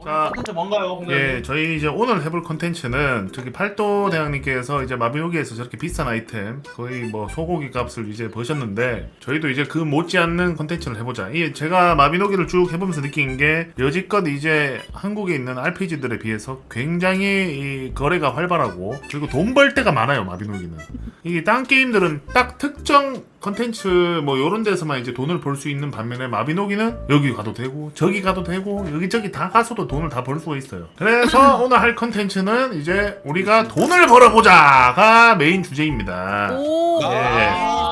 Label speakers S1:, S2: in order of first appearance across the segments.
S1: 자,
S2: 컨텐츠 뭔가요?
S1: 예, 저희 이제 오늘 해볼 컨텐츠는 저기 팔도 대왕님께서 이제 마비노기에서 저렇게 비싼 아이템 거의 뭐 소고기 값을 이제 버셨는데 저희도 이제 그 못지않는 컨텐츠를 해보자. 이 제가 마비노기를 쭉 해보면서 느낀 게 여지껏 이제 한국에 있는 RPG들에 비해서 굉장히 이 거래가 활발하고 그리고 돈 벌 때가 많아요. 마비노기는 이게 딴 게임들은 딱 특정 컨텐츠 뭐 요런 데서만 이제 돈을 벌 수 있는 반면에 마비노기는 여기 가도 되고 저기 가도 되고 여기저기 다 가서도 돈을 다 벌 수가 있어요. 그래서 오늘 할 컨텐츠는 이제 우리가 돈을 벌어보자가 메인 주제입니다.
S3: 오.
S1: 예.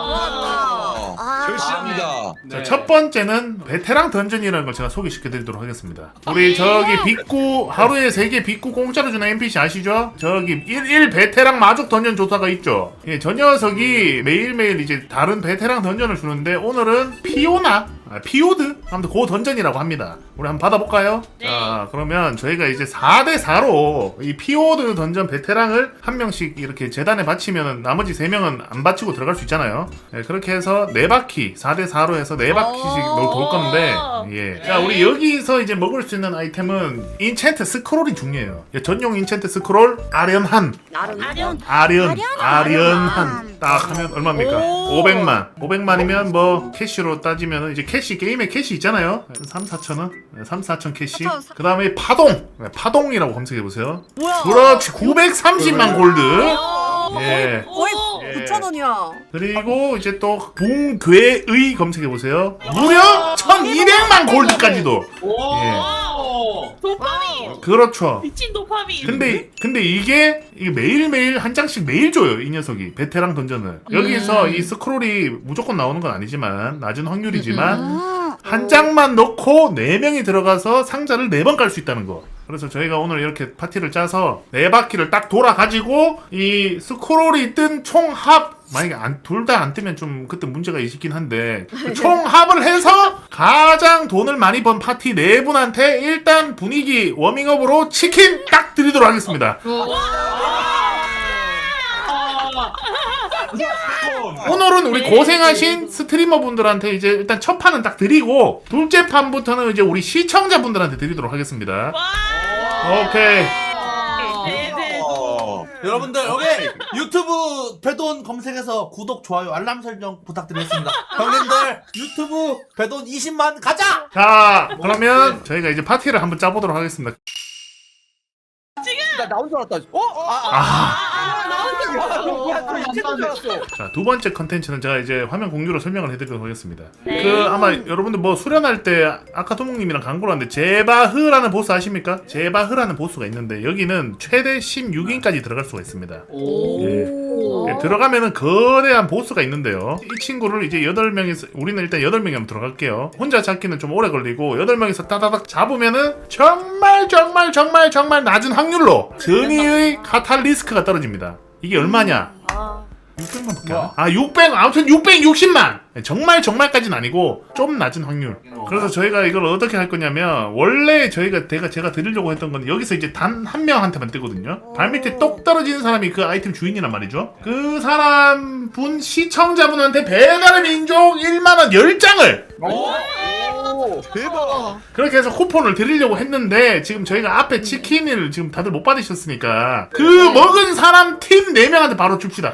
S4: 절실합니다.
S1: 자, 첫 번째는 베테랑 던전이라는 걸 제가 소개시켜드리도록 하겠습니다. 우리 저기 빅구 하루에 3개 빅구 공짜로 주는 NPC 아시죠? 저기 1 베테랑 마족 던전 조사가 있죠. 예, 저 녀석이 매일매일 이제 다른 베테랑 던전을 주는데 오늘은 피오나? 피오드? 아무튼 그 던전이라고 합니다. 우리 한번 받아볼까요?
S3: 네.
S1: 자, 그러면 저희가 이제 4대4로 이 피오드 던전 베테랑을 한 명씩 이렇게 재단에 바치면 나머지 3명은 안 바치고 들어갈 수 있잖아요. 예, 그렇게 해서 4바퀴 4대4로 해서 4바퀴씩 돌 건데 예. 자, 우리 여기서 이제 먹을 수 있는 아이템은 인챈트 스크롤이 중요해요. 예, 전용 인챈트 스크롤 아련한 아련한 딱 하면 얼마입니까? 500만이면 뭐 캐시로 따지면 이제 캐시 게임에 캐시 있잖아요. 3-4천원 3-4천 캐시. 그 다음에 파동이라고 검색해보세요.
S3: 뭐야?
S1: 그렇지 930만 골드. 예.
S3: 거의
S1: 예.
S3: 9,000원이야.
S1: 그리고 이제 또 붕괴의 검색해보세요. 무려 1200만 골드까지도. 예.
S5: 도파민!
S1: 그렇죠.
S5: 미친 도파민!
S1: 근데 이게 매일매일 한 장씩 매일 줘요. 이 녀석이 베테랑 던전을. 여기서 이 스크롤이 무조건 나오는 건 아니지만 낮은 확률이지만 한 장만 넣고 4명이 들어가서 상자를 4번 깔 수 있다는 거. 그래서 저희가 오늘 이렇게 파티를 짜서 4바퀴를 딱 돌아가지고 이 스크롤이 뜬 총합 만약에 둘 다 안 뜨면 좀 그때 문제가 있긴 한데 그 총합을 해서 가장 돈을 많이 번 파티 4분한테 일단 분위기 워밍업으로 치킨 딱 드리도록 하겠습니다. 오늘은 우리 고생하신 스트리머 분들한테 이제 일단 첫 판은 딱 드리고 둘째 판부터는 이제 우리 시청자분들한테 드리도록 하겠습니다. 오케이.
S5: 네네.
S2: 여러분들 여기 유튜브 배돈 검색해서 구독, 좋아요, 알람 설정 부탁드리겠습니다. 형님들 유튜브 배돈 20만 가자!
S1: 자, 그러면 저희가 이제 파티를 한번 짜보도록 하겠습니다.
S4: 나 나온 줄 알았다.
S1: 자, 두 번째 컨텐츠는 제가 이제 화면 공유로 설명을 해드리도록 하겠습니다. 그 아마 여러분들 뭐 수련할 때 아까 토목님이랑 광고를 하는데 제바흐라는 보스 아십니까? 제바흐라는 보스가 있는데 여기는 최대 16인까지 들어갈 수가 있습니다. 예. 예, 들어가면은 거대한 보스가 있는데요. 이 친구를 이제 8명이서 우리는 일단 8명이 한번 들어갈게요. 혼자 잡기는 좀 오래 걸리고 8명이서 따다닥 잡으면은 정말 낮은 확률로 전이의 카탈리스크가 떨어집니다. 이게 얼마냐? 600만 밖에 600, 아무튼 660만! 정말까지는 아니고 좀 낮은 확률. 그래서 저희가 이걸 어떻게 할 거냐면 원래 제가 드리려고 했던 건 여기서 이제 단 한 명한테만 뜨거든요. 발밑에 똑 떨어지는 사람이 그 아이템 주인이란 말이죠. 그 사람 분 시청자분한테 배달의 민족 1만원 10장을
S4: 대박.
S1: 그렇게 해서 쿠폰을 드리려고 했는데 지금 저희가 앞에 치킨을 지금 다들 못 받으셨으니까 그 먹은 사람 팀 4명한테 바로 줍시다.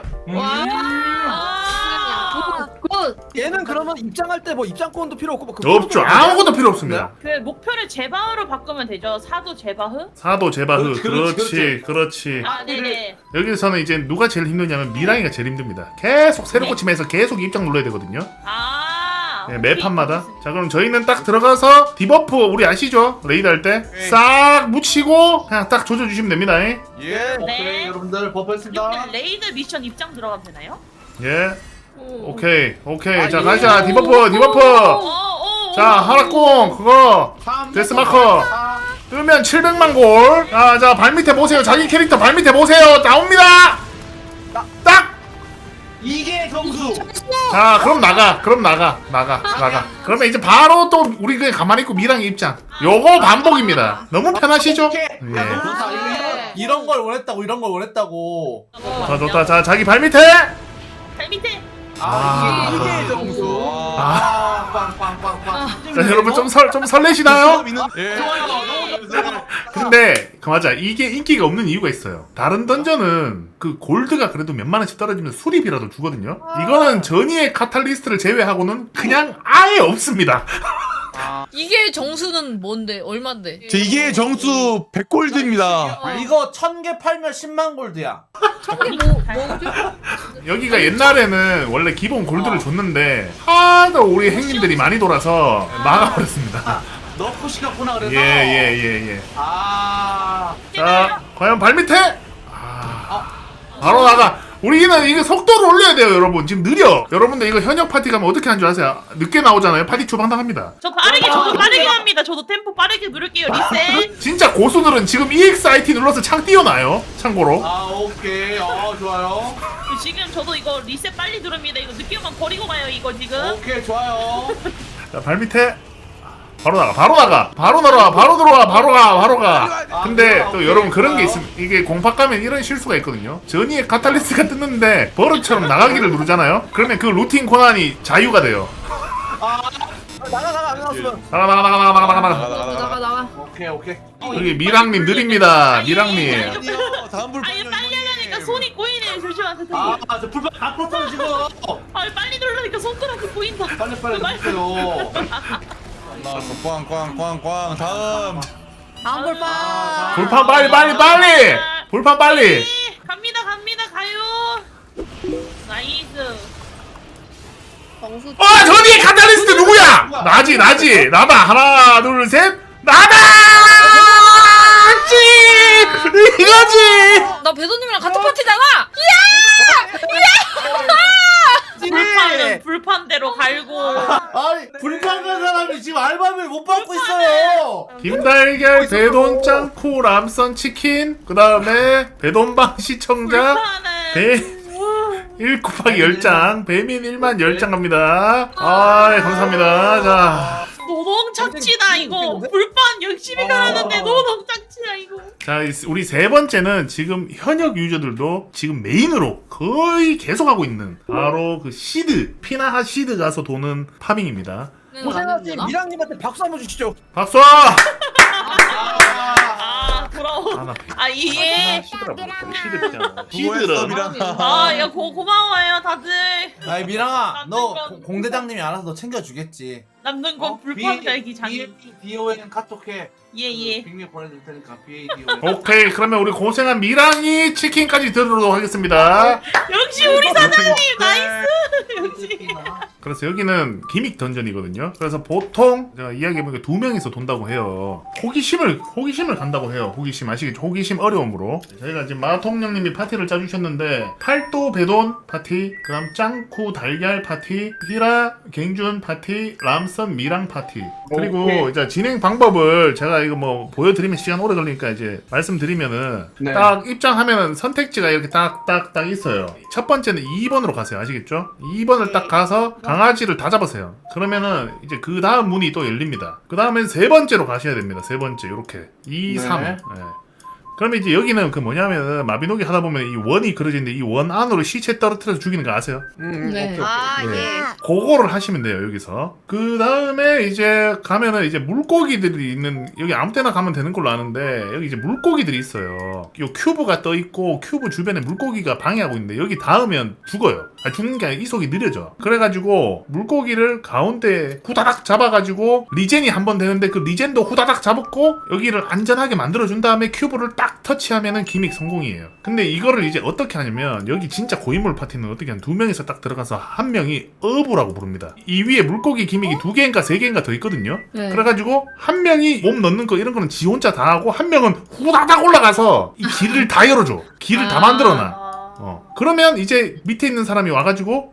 S4: 얘는 그러면 입장할 때 뭐 입장권도 필요 없고 뭐 그거
S1: 없죠. 아무것도 필요 없습니다.
S5: 그 목표를 제바흐로 바꾸면 되죠. 사도 제바흐?
S1: 사도 제바흐.
S4: 그렇지.
S1: 그렇지.
S5: 아, 네네.
S1: 여기서는 이제 누가 제일 힘드냐면 미랑이가 제일 힘듭니다. 계속 새로 고침해서 계속 입장 눌러야 되거든요.
S5: 아.
S1: 매 판마다. 자, 그럼 저희는 딱 들어가서 디버프 우리 아시죠? 레이드 할 때 싹 묻히고 그냥 딱 조져주시면 됩니다.
S2: 예,
S5: 네.
S2: 오케이 여러분들 버프했습니다.
S5: 근데 레이드 미션 입장 들어가면 되나요?
S1: 예. 오케이. 자,
S4: 예.
S1: 가자. 디버프. 자, 하락공 그거 데스마커 뜨면 700만 골. 자, 발밑에 보세요. 자기 캐릭터 발밑에 보세요. 나옵니다. 딱.
S2: 이게 점수.
S1: 자, 그럼 나가. 그러면 이제 바로 또 우리 그냥 가만히 있고 미랑 입장. 요거 반복입니다. 너무 편하시죠?
S2: 오케이.
S1: 예.
S2: 야, 너무 좋다. 이런 걸 원했다고.
S1: 좋다. 자, 자기 발밑에.
S5: 발 밑에.
S2: 이게 점수.
S1: 자, 여러분 좀 설레시나요?
S4: 예.
S2: 좋아요. 너무 좋습니다.
S1: 근데 그 맞아 이게 인기가 없는 이유가 있어요. 다른 던전은 그 골드가 그래도 몇만 원씩 떨어지면 수리비라도 주거든요. 이거는 전이의 카탈리스트를 제외하고는 그냥 아예 없습니다.
S3: 이게 정수는 뭔데? 얼만데?
S6: 이게 정수 100골드입니다.
S2: 이거 1000개 팔면 10만 골드야.
S3: 청계 뭐지?
S1: 여기가 옛날에는 원래 기본 골드를 줬는데 하도 우리 행님들이 많이 돌아서 막아버렸습니다.
S2: 넣고 시켰구나 그래서.
S1: 예.
S2: 아.
S1: 자, 과연 발밑에? 바로 나가. 우리는 이거 속도를 올려야 돼요, 여러분. 지금 느려. 여러분들 이거 현역 파티 가면 어떻게 하는 줄 아세요? 늦게 나오잖아요. 파티 초방당합니다.
S5: 저도 빠르게 합니다. 저도 템포 빠르게 누를게요. 리셋.
S1: 진짜 고수들은 지금 EXIT 눌러서 창 띄워놔요. 참고로.
S2: 아 오케이. 좋아요.
S5: 지금 저도 이거 리셋 빨리 누릅니다. 이거 늦게 오면 버리고 가요. 이거 지금.
S2: 오케이 좋아요.
S1: 자, 발밑에. 바로 나가. 바로 들어와. 바로 가. 근데 또 여러분 그런 게 있으면 이게 공파 가면 이런 실수가 있거든요. 전이의 카탈리스트가 뜨는데 버릇처럼 나가기를 누르잖아요. 그러면 그 루틴 권한이 자유가 돼요.
S4: 나가 안 나왔으면.
S3: 나가.
S2: 오케이.
S1: 여기 미랑님 느립니다. 미랑님.
S6: 다음 불.
S5: 아니 빨리 하려니까 손이 꼬이네요. 조심하세요.
S2: 저 불판 다 껐어 지금.
S5: 빨리 누르니까 손가락이 보인다.
S2: 빨리 누르세요.
S6: 나왔어. 꽝. 다음.
S3: 다음 볼파.
S1: 불판 빨리. 불판 빨리.
S5: 갑니다. 가요. 나이스.
S3: 정수.
S1: 전이의 카탈리스트 누구야? 나지. 나다. 하나, 둘, 셋. 나다! 이거지!
S3: 나 배도님이랑 같은 파티잖아.
S5: 불판대로 갈고.
S2: 아니 불판 간 사람이 지금 알바비를 못 받고 있어요.
S1: 김달걀, 배돈 짱코, 람선 치킨, 그 다음에 배돈방 시청자,
S5: 불판은
S1: 1 곱하기 10장, 배민 1만 10장 갑니다. 감사합니다. 자.
S5: 노동 착취다 이거. 불판 열심히 갈았는데 노동 착취야 이거.
S1: 자, 우리 세 번째는 지금 현역 유저들도 지금 메인으로 거의 계속 하고 있는 바로 그 시드, 피나하 시드 가서 도는 파밍입니다.
S4: 고생하신 미랑님한테 박수 한번 주시죠.
S1: 박수!
S5: 부러워.
S1: 나
S5: 이게.
S1: 시드잖아.
S6: 수고했어, 미랑아.
S5: 야 고마워요 다들.
S2: 아이 미랑아, 너 공대장님이 알아서 너 챙겨주겠지.
S5: 남는 건 불판 달기 장인.
S2: BON 카톡해.
S5: 예.
S2: 빅미 보내줄 테니까 BON.
S1: 오케이, 그러면 우리 고생한 미랑이 치킨까지 들으도록 하겠습니다.
S5: 역시 우리 사장님 나이스. 역시.
S1: 그래서 여기는 기믹 던전이거든요. 그래서 보통 제가 이야기해보니까 2명이서 돈다고 해요. 호기심을 간다고 해요. 호기심 아시겠죠? 호기심 어려움으로. 저희가 지금 마통령님이 파티를 짜주셨는데 팔도 배돈 파티, 그 다음 짱쿠 달걀 파티, 히라 갱준 파티, 람선 미랑 파티. 그리고
S2: 오케이.
S1: 이제 진행 방법을 제가 이거 뭐 보여드리면 시간 오래 걸리니까 이제 말씀드리면은
S2: 네.
S1: 딱 입장하면은 선택지가 이렇게 딱 있어요. 첫 번째는 2번으로 가세요. 아시겠죠? 2번을 딱 가서 강아지를 다 잡으세요. 그러면은 이제 그 다음 문이 또 열립니다. 그 다음엔 세 번째로 가셔야 됩니다. 세 번째 요렇게 2, 3. 네. 그러면 이제 여기는 그 뭐냐면은 마비노기 하다 보면 이 원이 그려지는데 이 원 안으로 시체 떨어뜨려서 죽이는 거 아세요?
S3: 네.
S1: 그거를 하시면 돼요. 여기서 그 다음에 이제 가면은 이제 물고기들이 있는, 여기 아무 때나 가면 되는 걸로 아는데 여기 이제 물고기들이 있어요. 요 큐브가 떠 있고 큐브 주변에 물고기가 방해하고 있는데 여기 닿으면 죽어요. 죽는 게 아니라 이속이 느려져. 그래가지고 물고기를 가운데 후다닥 잡아가지고 리젠이 한 번 되는데 그 리젠도 후다닥 잡았고 여기를 안전하게 만들어준 다음에 큐브를 딱 터치하면은 기믹 성공이에요. 근데 이거를 이제 어떻게 하냐면 여기 진짜 고인물 파티는 어떻게 하면 2명이서 딱 들어가서 한 명이 어부라고 부릅니다. 이 위에 물고기 기믹이 2개인가 3개인가 더 있거든요.
S3: 네.
S1: 그래가지고 한 명이 몸 넣는 거 이런 거는 지 혼자 다 하고 한 명은 후다닥 올라가서 이 길을 다 열어줘. 길을 다 만들어놔. 그러면 이제 밑에 있는 사람이 와가지고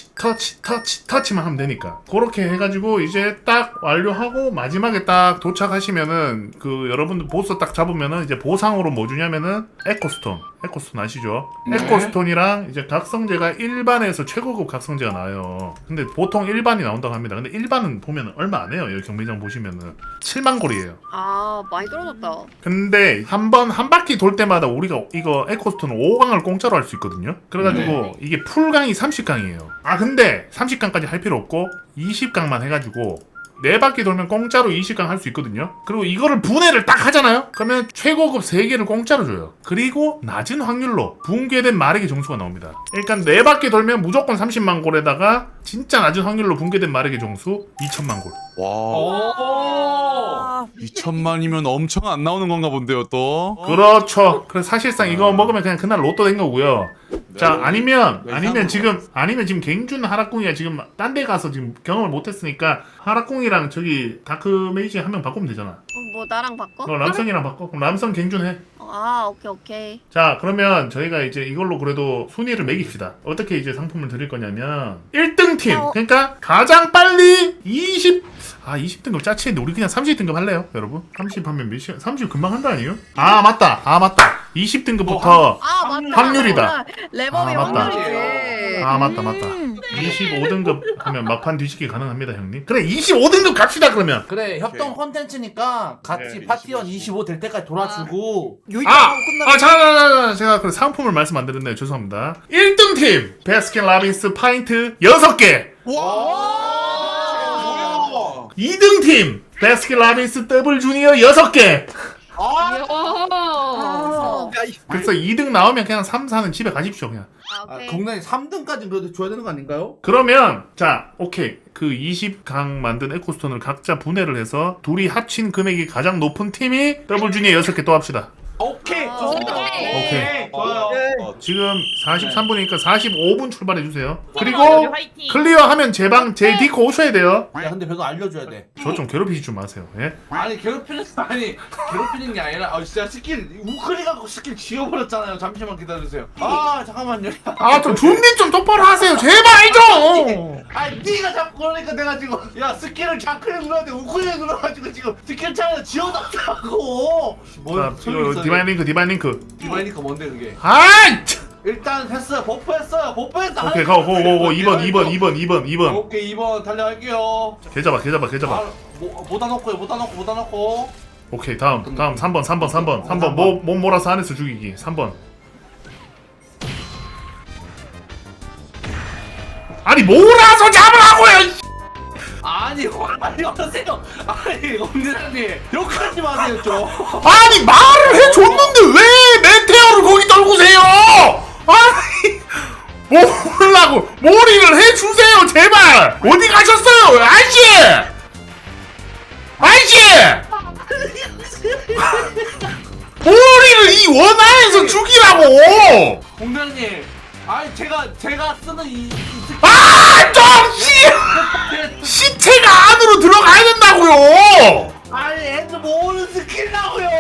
S1: 터치만 하면 되니까 그렇게 해가지고 이제 딱 완료하고 마지막에 딱 도착하시면은 그 여러분들 보스 딱 잡으면은 이제 보상으로 뭐 주냐면은 에코스톤 아시죠?
S2: 네.
S1: 에코스톤이랑 이제 각성제가 일반에서 최고급 각성제가 나와요. 근데 보통 일반이 나온다고 합니다. 근데 일반은 보면 얼마 안 해요. 여기 경매장 보시면은 7만 골이에요.
S3: 많이 떨어졌다.
S1: 근데 한 바퀴 돌 때마다 우리가 이거 에코스톤 5강을 공짜로 할 수 있거든요. 그래가지고 이게 풀강이 30강이에요. 근데 30강까지 할 필요 없고 20강만 해가지고 4바퀴 돌면 공짜로 20강 할 수 있거든요. 그리고 이거를 분해를 딱 하잖아요. 그러면 최고급 3개를 공짜로 줘요. 그리고 낮은 확률로 붕괴된 마력의 점수가 나옵니다. 그러니까 4바퀴 돌면 무조건 30만 골에다가 진짜 낮은 확률로 붕괴된 마력의 점수 2천만 골.
S6: 와. 2천만이면 엄청 안 나오는 건가 본데요 또.
S1: 그렇죠. 그래서 사실상 이거 먹으면 그냥 그날 로또 된 거고요. 자, 아니면 지금 갱준 하락궁이가 지금 딴 데 가서 지금 경험을 못했으니까 하락궁이랑 저기 다크 메이지 한 명 바꾸면 되잖아.
S3: 뭐 나랑 바꿔?
S1: 람성이랑 바꿔. 그럼 람성 갱준 해.
S3: 아 오케이.
S1: 자, 그러면 저희가 이제 이걸로 그래도 순위를 매깁시다. 어떻게 이제 상품을 드릴 거냐면 1등 팀. 그러니까 가장 빨리 20등급 짜치는데 우리 그냥 30등급 할래요, 여러분? 30 하면 몇 시간? 30 금방 한다 아니에요? 아, 맞다. 20등급부터
S3: 아 맞다.
S1: 확률이다.
S3: 레버비
S1: 아, 맞다.
S3: 확률이지.
S1: 아, 맞다. 25등급 하면 막판 뒤집기 가능합니다, 형님. 그래, 25등급 갑시다, 그러면.
S2: 그래 협동 콘텐츠니까 같이 파티원 25 될 때까지 돌아주고
S1: 제가 그 상품을 말씀 안 드렸네요. 죄송합니다. 1등 팀 베스킨 라빈스 파인트 6개.
S6: 와.
S1: 2등 팀 베스킨 라빈스 더블 주니어 6개. 그래서 2등 나오면 그냥 3, 4는 집에 가십시오, 그냥.
S3: 오케이.
S2: 동네 3등까지 그래도 줘야 되는 거 아닌가요?
S1: 그러면 자, 오케이. 그 20강 만든 에코스톤을 각자 분해를 해서 둘이 합친 금액이 가장 높은 팀이 더블 주니어 6개 또 합시다.
S2: 오케이
S3: 좋습니다.
S1: 오케이.
S2: 좋아요.
S1: 지금 43분이니까 45분 출발해 주세요. 그리고
S5: 화이팅.
S1: 클리어하면 제 디코 오셔야 돼요.
S2: 야 근데 배도 알려줘야 돼.
S1: 저 좀 괴롭히지 좀 마세요. 예?
S7: 아니 괴롭히는 게 아니라 진짜 스킬 우클릭 갖고 스킬 지워버렸잖아요. 잠시만 기다려주세요. 아 잠깐만요.
S1: 아, 좀 준비 좀 똑바로 하세요. 제발 좀.
S7: 아니 네가 자꾸 그러니까 내가 지금 야 스킬을 좌클릭 눌렀는데 우클릭 눌러가지고 지금 스킬 차에서 지워놨다고.
S1: 자, 디바인 링크.
S7: 디바이니까 뭔데 그게?
S1: 아이!
S7: 일단 했어요. 버프했어요.
S1: 오케이, 고 2번.
S7: 오케이 2번 달려갈게요.
S1: 개 잡아.
S7: 못 넣고.
S1: 오케이, 다음 3번. 몸 몰아서 안에서 죽이기. 3번. 아니, 몰아서 잡으라고요.
S7: 아니 어떠세요? 아니 엄니사님 욕하지 마세요 좀.
S1: 아니, 말을 해줬는데 왜 메테오를 거기 떨구세요? 아니, 몰라고 몰이를 해주세요, 제발. 어디 가셨어요, 아저씨? 몰이를 이 원안에서 죽이라고.
S7: 공장님, 아니 제가 쓰는 이
S1: 시체가 안으로 들어가야 된다고요.
S7: 아니 애들 모으는 스킬이라고요.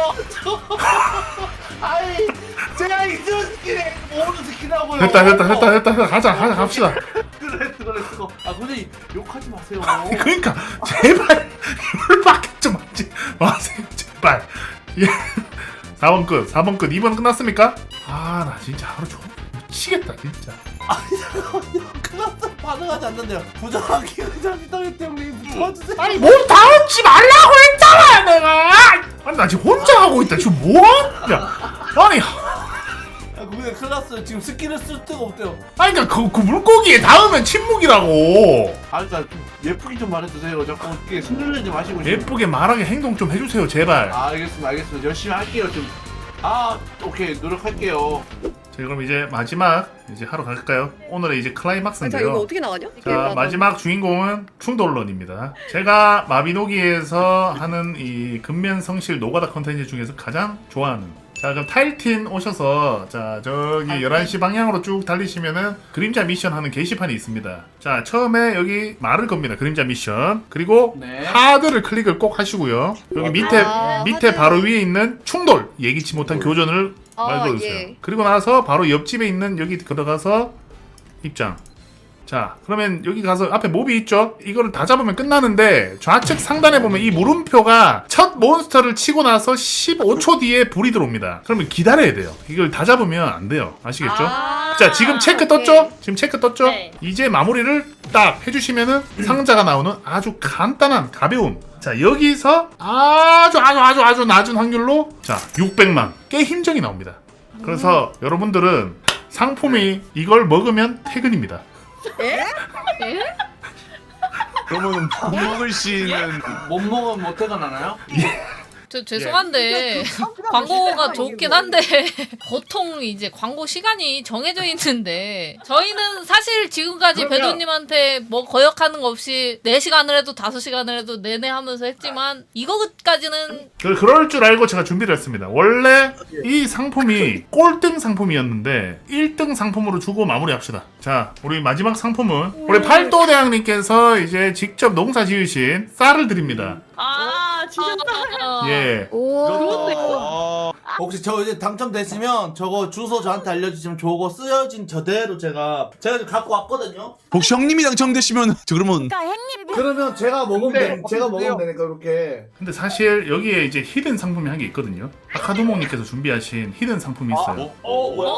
S7: 아니 제가 이 스킬이 모으는 스킬이라고요.
S1: 됐다. 가자, 갑시다.
S7: 그래. 아 근데 욕하지 마세요.
S1: 그러니까 제발 열받게 좀 하지 마세요, 제발. 예. 4번 끝. 2번 끝났습니까? 아, 나 진짜 하루 종일 미치겠다, 진짜.
S2: 클라스 반응하지 않는데요. 부정하기 의자입니다 형님. 도와주세요.
S1: 아니, 몸 다운지 말라고 했잖아, 내가. 아니, 나 지금 혼자 하고 있다. 지금 뭐하냐? 아니,
S2: 근데 클라스 지금 스킬을 쓸 데가 없대요.
S1: 아니, 그러니까 그 물고기에 닿으면 침묵이라고.
S7: 아니 좀 예쁘게 좀 말해주세요. 자꾸 이렇게 승질내지 마시고.
S1: 예쁘게 말하게 행동 좀 해주세요, 제발.
S7: 아, 알겠습니다. 열심히 할게요 좀. 오케이 노력할게요.
S1: 자, 그럼 이제 마지막 이제 하러 갈까요? 오늘의 이제
S3: 자 이거
S1: 클라이막스인데요.
S3: 어떻게 나가냐?
S1: 자, 마지막 주인공은 충돌론입니다. 제가 마비노기에서 하는 이 근면성실 노가다 컨텐츠 중에서 가장 좋아하는. 자, 그럼 타일틴 오셔서 자, 저기 11시 방향으로 쭉 달리시면은 그림자 미션 하는 게시판이 있습니다. 자, 처음에 여기 말을 겁니다. 그림자 미션. 그리고
S7: 네.
S1: 하드를 클릭을 꼭 하시고요. 여기 밑에
S3: 하드.
S1: 바로 위에 있는 충돌, 예기치 못한 교전을 말걸어주세요.
S3: 예.
S1: 그리고 나서 바로 옆집에 있는 여기 들어가서 입장. 자, 그러면 여기 가서 앞에 몹이 있죠? 이거를 다 잡으면 끝나는데 좌측 상단에 보면 이 물음표가 첫 몬스터를 치고 나서 15초 뒤에 불이 들어옵니다. 그러면 기다려야 돼요. 이걸 다 잡으면 안 돼요. 아시겠죠? 자, 지금 체크 떴죠?
S5: 네.
S1: 이제 마무리를 딱 해주시면은 상자가 나오는 아주 간단한 가벼운. 자, 여기서 아주 낮은 확률로 자, 600만 꽤 힘정이 나옵니다. 그래서 여러분들은 상품이 이걸 먹으면 퇴근입니다.
S6: 그러면 못 먹을 시는
S7: 못 먹으면 못 퇴근하나요?
S5: 저 죄송한데 광고가 좋긴 한데 보통 이제 광고 시간이 정해져 있는데 저희는 사실 지금까지 배도님한테 뭐 거역하는 거 없이 4시간을 해도 5시간을 해도 내내 하면서 했지만 이거까지는
S1: 그럴 줄 알고 제가 준비를 했습니다. 원래 이 상품이 꼴등 상품이었는데 1등 상품으로 주고 마무리합시다. 자, 우리 마지막 상품은 우리 팔도대왕님께서 이제 직접 농사 지으신 쌀을 드립니다.
S5: 아 진짜
S1: 예.
S3: 오.
S2: 혹시 저 이제 당첨됐으면 저거 주소 저한테 알려주시면 저거 쓰여진 저대로 제가 지금 갖고 왔거든요.
S6: 혹시 형님이 당첨되시면 저 그러면
S2: 그러면 제가 먹으면
S4: 네,
S2: 제가
S4: 어떡해요?
S2: 먹으면 되니까 이렇게.
S1: 근데 사실 여기에 이제 히든 상품이 한 게 있거든요. 아카도몽님께서 준비하신 히든 상품이 있어요.
S2: 뭐야?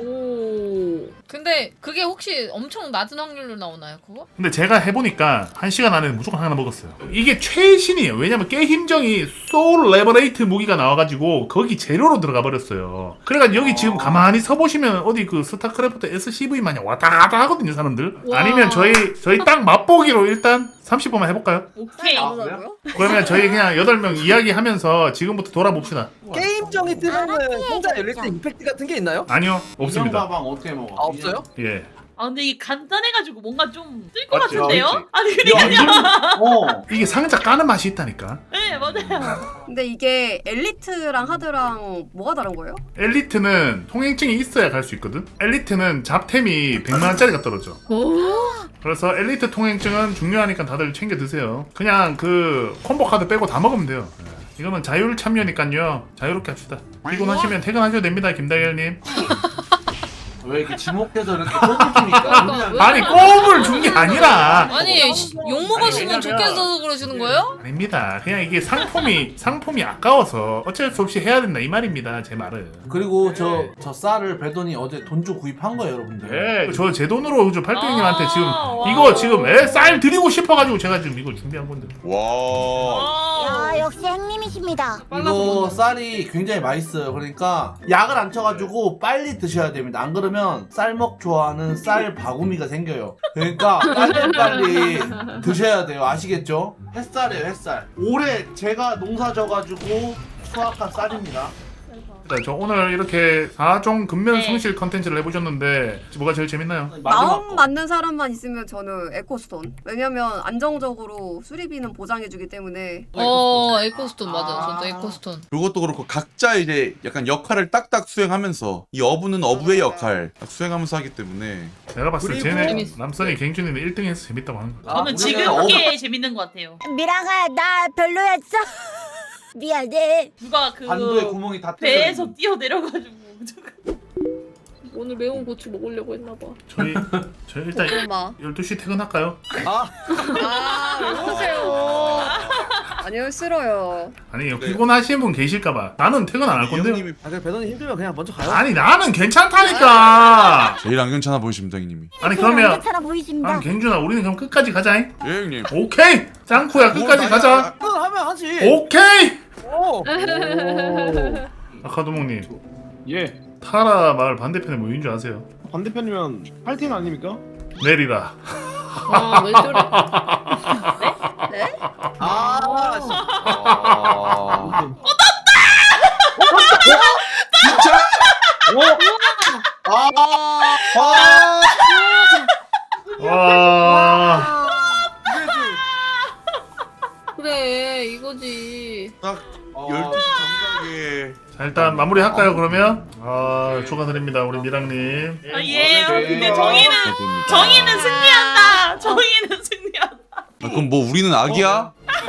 S5: 오. 근데 그게 혹시 엄청 낮은 확률로 나오나요 그거?
S1: 근데 제가 해보니까 1시간 안에 무조건 하나 먹었어요. 이게 최신이에요. 왜냐면 게임정이 소울 레버레이트 무기가 나와가지고 거기 재료로 들어가 버렸어요. 그래가지고 여기 지금 가만히 서보시면 어디 그 스타크래프트 SCV 마냥 왔다 갔다 하거든요 사람들.
S5: 와.
S1: 아니면 저희 딱 맛보기로 일단 30분만 해볼까요?
S5: 오케이.
S7: 아, 그래요?
S3: 뭐라고요?
S1: 그러면 저희 그냥 8명 이야기하면서 지금부터 돌아봅시다.
S4: 게임정이 뜨면은 혼자 열릴 때 임팩트 같은 게 있나요?
S1: 아니요, 없습니다.
S7: 인형 가방 어떻게 먹어?
S4: 아 없어요?
S1: 예.
S5: 아 근데 이게 간단해가지고 뭔가 좀 뜰 것
S1: 맞지,
S5: 같은데요?
S1: 맞지.
S5: 아니 그러니까
S1: 이게 상자 까는 맛이 있다니까.
S5: 네 맞아요.
S3: 근데 이게 엘리트랑 하드랑 뭐가 다른 거예요?
S1: 엘리트는 통행증이 있어야 갈 수 있거든. 엘리트는 잡템이 100만원짜리가 떨어져. 그래서 엘리트 통행증은 중요하니까 다들 챙겨 드세요. 그냥 그 콤보 카드 빼고 다 먹으면 돼요. 예. 이거는 자율 참여니까요. 자유롭게 합시다. 피곤하시면 퇴근하셔도 됩니다, 김다결님.
S7: 왜 이렇게 지목해서 이렇게 꼽으십니까?
S1: 아니 꼼을 준 게 아니라.
S5: 아니 욕 먹었으면
S1: 왜냐면-
S5: 좋겠어서 그러시는 거예요?
S1: 아닙니다. 그냥 이게 상품이 아까워서 어쩔 수 없이 해야 된다 이 말입니다. 제 말은.
S2: 그리고 저 쌀을 배돈이 어제 돈 주고 구입한 거예요, 여러분들.
S1: 예, 저 제 돈으로 저 팔도형님한테 지금
S5: 와.
S1: 이거 지금 쌀 드리고 싶어가지고 제가 지금 이거 준비한 건데.
S6: 와
S8: 야, 역시 행님이십니다.
S2: 이거 쌀이 굉장히 맛있어요. 그러니까 약을 안 쳐가지고 빨리 드셔야 됩니다. 안 그러면 쌀먹 좋아하는 쌀 바구미가 생겨요. 그러니까 빨리 드셔야 돼요. 아시겠죠?
S7: 햇살이에요, 햇살. 올해 제가 농사 져가지고 수확한 쌀입니다.
S1: 네, 저 오늘 이렇게 4종 근면
S5: 네.
S1: 성실 컨텐츠를 해보셨는데 뭐가 제일 재밌나요?
S3: 마음 맞는 사람만 있으면 저는 에코스톤. 왜냐면 안정적으로 수리비는 보장해주기 때문에.
S5: 에코스톤 맞아. 저도 에코스톤.
S6: 그것도 그렇고 각자 이제 약간 역할을 딱딱 수행하면서 이 어부는 어부의 역할 딱 수행하면서 하기 때문에
S1: 내가 봤을 때
S4: 그리고
S1: 쟤네
S5: 재밌어.
S1: 남선이 갱준이는 1등해서 재밌다고 하는 거야.
S5: 저는 지금 게 재밌는 것 같아요.
S8: 미랑아, 나 별로였어. 미안해.
S5: 누가 그
S7: 반도에 구멍이 다
S5: 배에서 뛰어 내려가지고 오늘 매운 고추 먹으려고 했나봐.
S1: 저희 일단
S3: 엄마.
S1: 12시 퇴근할까요?
S3: 왜 그러세요? 아니요, 싫어요.
S1: 아니 피곤하신 분 계실까봐 나는 퇴근 안 할 건데요.
S6: 형님이
S4: 아 그래 배돈이 힘들면 그냥 먼저 가요.
S1: 아니 나는 괜찮다니까.
S6: 제일 안 괜찮아 보이십니다 형님이.
S1: 아니 그러면
S8: 괜찮아 보이십니다.
S1: 아니 갱준아 우리는 그럼 끝까지 가자잉.
S6: 예 형님.
S1: 오케이 짱쿠야 끝까지 가자.
S4: 그건 하면 하지.
S1: 오케이.
S4: 오.
S1: 아카도몽님
S9: 예,
S1: 타라 마을 반대편에 뭐인 줄 아세요?
S9: 반대편이면 팔팀 아닙니까?
S1: 내리라.
S5: 아왜 저래?
S4: 아. 씨.
S6: 진짜?
S1: 와.
S5: 그래 이거지.
S6: 딱 12시 정각에
S1: 자 일단 마무리 할까요 그러면? 아 축하드립니다 우리 미랑님.
S5: 아 예. 근데
S6: 됩니다.
S5: 정의는 승리한다. 정의는 승리한다.
S6: 아, 그럼 뭐 우리는 악이야?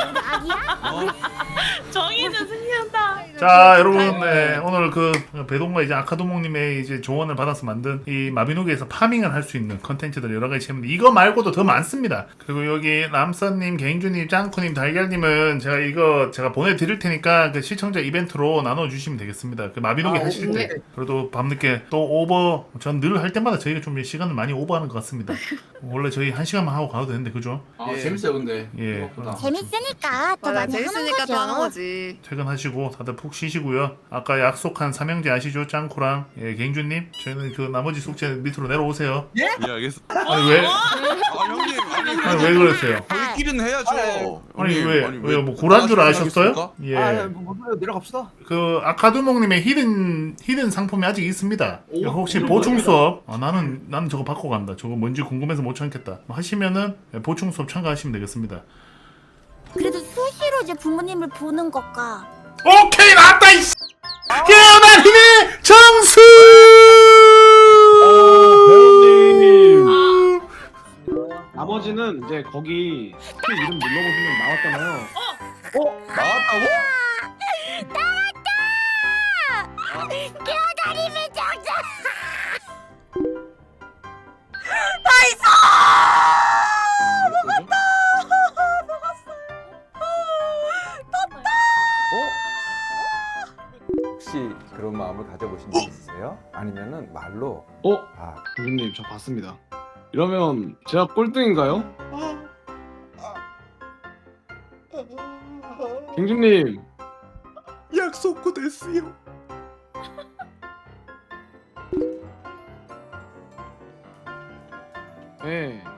S5: 정의는 승리한다.
S1: 자 여러분 네, 오늘 그 배동과 이제 아카도몽님의 이제 조언을 받아서 만든 이 마비노기에서 파밍을 할 수 있는 컨텐츠들 여러 가지 재밌는데 이거 말고도 더 많습니다. 그리고 여기 람선님, 개인주님, 짱쿠님, 달걀님은 제가 보내드릴 테니까 그 시청자 이벤트로 나눠주시면 되겠습니다. 그 마비노기 하실 때 그래도 밤늦게 또 오버 전 늘 할 때마다 저희가 좀 시간을 많이 오버하는 것 같습니다. 원래 저희 1시간만 하고 가도 되는데 그죠?
S7: 재밌어요, 근데.
S1: 예.
S7: 생각보다.
S8: 재밌으니까 또
S3: 맞아,
S8: 많이 하는
S3: 재밌으니까 또 하는
S8: 거죠.
S3: 거지.
S1: 퇴근하시고 다들 푹 푹 쉬시고요. 아까 약속한 삼형제 아시죠? 짱쿠랑 갱주님. 저희는 그 나머지 숙제 밑으로 내려오세요.
S6: 예 알겠어.
S1: 아니 왜?
S6: 형님
S1: 아니 왜 그러세요?
S6: 저희끼리는 해야죠.
S1: 아니
S6: 형님,
S1: 왜 뭐 고란 줄 아셨어요?
S6: 하겠습니까?
S1: 예.
S4: 뭐 내려갑시다.
S1: 그 아카두몽님의 히든 상품이 아직 있습니다. 혹시 보충 수업? 나는 저거 받고 간다. 저거 뭔지 궁금해서 못 참겠다. 하시면은 보충 수업 참가하시면 되겠습니다.
S8: 그래도 수시로 이제 부모님을 보는 것과
S1: 오케이 나왔다 이 깨어난 힘의 정수.
S9: 배우님. 나머지는 이제 거기 그 이름 눌러보시면 나왔잖아요.
S6: 나왔다고?
S8: 깨어다림의 정자.
S10: 혹시 그런 마음을 가져보신 적 있으세요? 아니면은 말로
S9: 교수님 저 봤습니다. 이러면 제가 꼴등인가요? 갱주님
S6: 약속고 됐어요.
S9: 네